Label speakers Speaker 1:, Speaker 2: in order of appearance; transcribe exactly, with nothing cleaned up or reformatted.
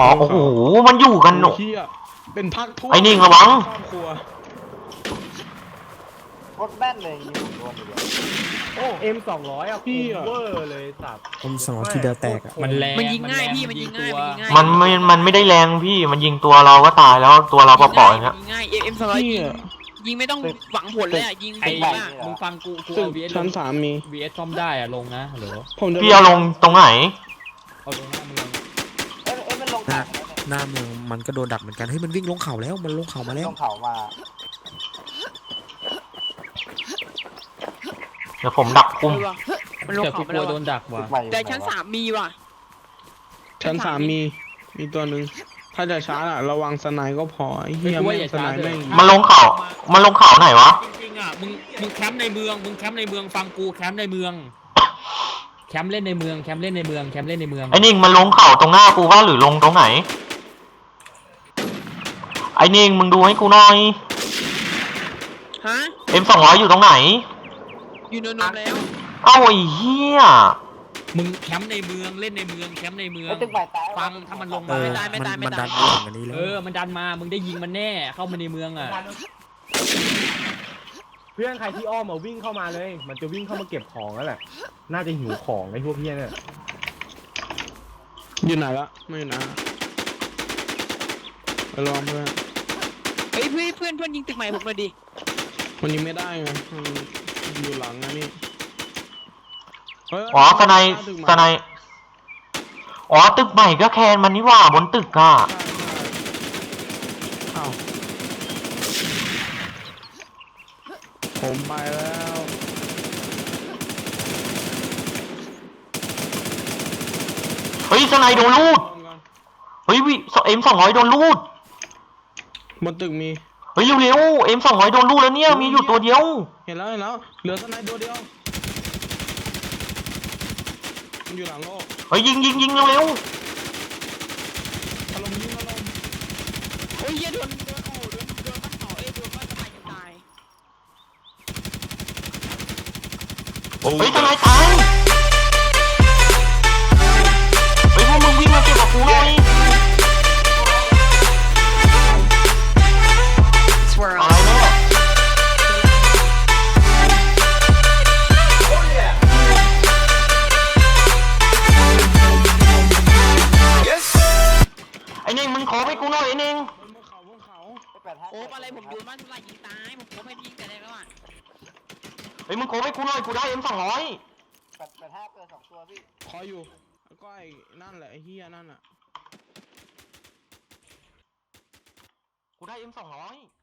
Speaker 1: อ๋อโอ้โหมันอยู่กันหน
Speaker 2: เฮียเป็นพักทั่ว
Speaker 1: ไอ้นิ่งระวัง
Speaker 2: ครอบครัว
Speaker 3: โคตรแม่นเลยยิงผมโดนอยู่เลย
Speaker 4: โอ้เอ็มสองร้อยอะคมเวอร์เลยสัตว์
Speaker 5: ผมสองทีเดียวแตกอะ
Speaker 6: มันแรง
Speaker 7: มันยิงง่ายพี่มันยิงง่ายมันยิงง่าย
Speaker 1: มันไม่มันไม่ได้แรงพี่มันยิงตัวเราก็ตายแล้วตัวเราเปล่าๆอย่างเงี้ย
Speaker 7: ยิงง่ายเอ็มสองร้อยยิงยิงไม่ต้องหวังผลเลยอ่ะยิง
Speaker 6: ไอ้
Speaker 7: ดีมาก
Speaker 6: มึงฟังกูกู
Speaker 2: ตึก
Speaker 6: เอา วี เอส
Speaker 2: ชั้นสามมี
Speaker 6: วีเอสซ่อมได้อะลงนะเหรอ
Speaker 2: ผมจะ
Speaker 1: พี่เอาลงตรงไหน
Speaker 6: เอาลงหน้าเมือง
Speaker 3: เอ้ยเอ้ยมันลง
Speaker 5: หน้า
Speaker 3: เขาแล้วเนี่ย
Speaker 5: หน้าเมืองมันก็โดนดักเหมือนกันเฮ้ยมันวิ่งลงเขาแล้วมันลงเขามาแล้ว
Speaker 3: ลงเขามา
Speaker 1: เดี๋ยวผมดัก
Speaker 7: เอ
Speaker 1: คุม
Speaker 7: อว่ะมันลง
Speaker 6: แต่
Speaker 7: เขา
Speaker 6: กู
Speaker 7: ไป
Speaker 6: กลั
Speaker 7: แล้ว ว
Speaker 6: โดน
Speaker 7: ว่ะ
Speaker 6: ดักว่ะ
Speaker 3: ตึกใหม่อยู่
Speaker 7: แต่
Speaker 3: ไหวะ
Speaker 7: ชั้นสามมีว่ะ
Speaker 2: ชั้นสามมีมีตัวหนึ่งถ้าจะช้าอะระวังสไนด์ก็พอไอ้เฮีย
Speaker 6: ไม่
Speaker 2: แม่
Speaker 6: กลัวอย่าง
Speaker 2: สไนด์
Speaker 6: ช้าเลย
Speaker 2: แม่ง
Speaker 1: มันลงเขามันลงเขาไหนวะ
Speaker 6: จริงๆอ่ะมึงมึงแคมป์ในเมืองมึงแคมป์ในเมืองฟังกูแคมป์ในเมืองแคมป์เล่นในเมืองแคมป์เล่นในเมืองแคมป์เล่นในเมือง
Speaker 1: ไอ้นิ่งมันลงเขาตรงหน้ากูว่าหรือลงตรงไหนไอ้นิ่งมึงดูให้กูหน่อย
Speaker 7: ฮะ
Speaker 1: เอ็มสองร้อยอยู่ตรงไหน
Speaker 7: อยู่เนินนมแล้ว
Speaker 1: เอ้าไอ้เหี้ย
Speaker 6: มึงแคมป์ในเมืองเล่นในเมืองแคมป์ในเมือง
Speaker 3: ไอ้ตึกใหม่ตาย
Speaker 6: ฟังถ้ามันลง
Speaker 5: เอ
Speaker 6: มา
Speaker 5: อ
Speaker 6: ไม่ได้
Speaker 5: มันมันดันมาอย่างนี้แล้ว
Speaker 6: เออมันดันมามึงได้ยิงมันแน่เข้ามาในเมืองอ่ะ
Speaker 4: เพื่อนใครที่อ้อมมาวิ่งเข้ามาเลย มันจะวิ่งเข้ามาเก็บของแล้วแหละน่าจะหิวของไอ้พวกเพี้ยเนี่ย
Speaker 2: อยู่ไหนละไม่อยู่ไหนละไปลองเพื่อน
Speaker 7: เฮ้ยเพื่อนเพื่อนเพื่อนยิงตึกใหม่ผมเลยดิ
Speaker 2: มันยิงไม่ได้ไงมันอยู่หลังนะนี่เฮ้ย
Speaker 1: อ๋อสไนด์
Speaker 2: ตึกใหม่
Speaker 1: สไนด์อ๋อตึกใหม่ก็แคนมันนี่หว่าบนตึกอะ
Speaker 2: อ้าวผมไปแล้ว
Speaker 1: เฮ้ยสไนด์โดนลูดเฮ้ยวิเอ็มสองร้อยโดนลูด
Speaker 2: บนตึกมี
Speaker 1: เฮ้ยเร็วๆเอ็มสองร้อยโดนลูดแล้วเนี่ยมีอยู่ตัวเดียว
Speaker 2: เห็นแล้วเห็นแล้วเหลือสไนด์ตัวเดียวมันอยู่หลังโลก
Speaker 1: เฮ้ยยิงยิงยิงเร็ว
Speaker 2: อารมณ์ยิงอารมณ์
Speaker 7: โอ้ยเหี้ยโดนโดนโอ้โดนโดนบ้านเขาเอ้ยโดนบ้านทำไมจะตาย
Speaker 1: ๆเฮ้ยสไนด์ตายเฮ้ยพวกมึงวิ่งมาเก็บกับกูหน่อยตายแล้วไอ้เน่งมึงขอไปกูหน่อยไอ้เน่ง
Speaker 2: บนเขาบนเขา
Speaker 3: ไปแปดห้า
Speaker 7: โอ้อะไรผมโดนบ้านทุลายยิงตายผมโคบให้ยิงแต่แรกแล้วอ่ะ
Speaker 1: เฮ้ยมึงขอไปกูหน่อยกูได้เอ็มสองร้อย
Speaker 3: แปดแปดห้าเกินสองตัวพี่
Speaker 2: คอยอยู่แล้วก็ไอ้นั่นแหละไอ้เฮียนั่นอ่ะ
Speaker 1: กูได้เอ็มสองร้อย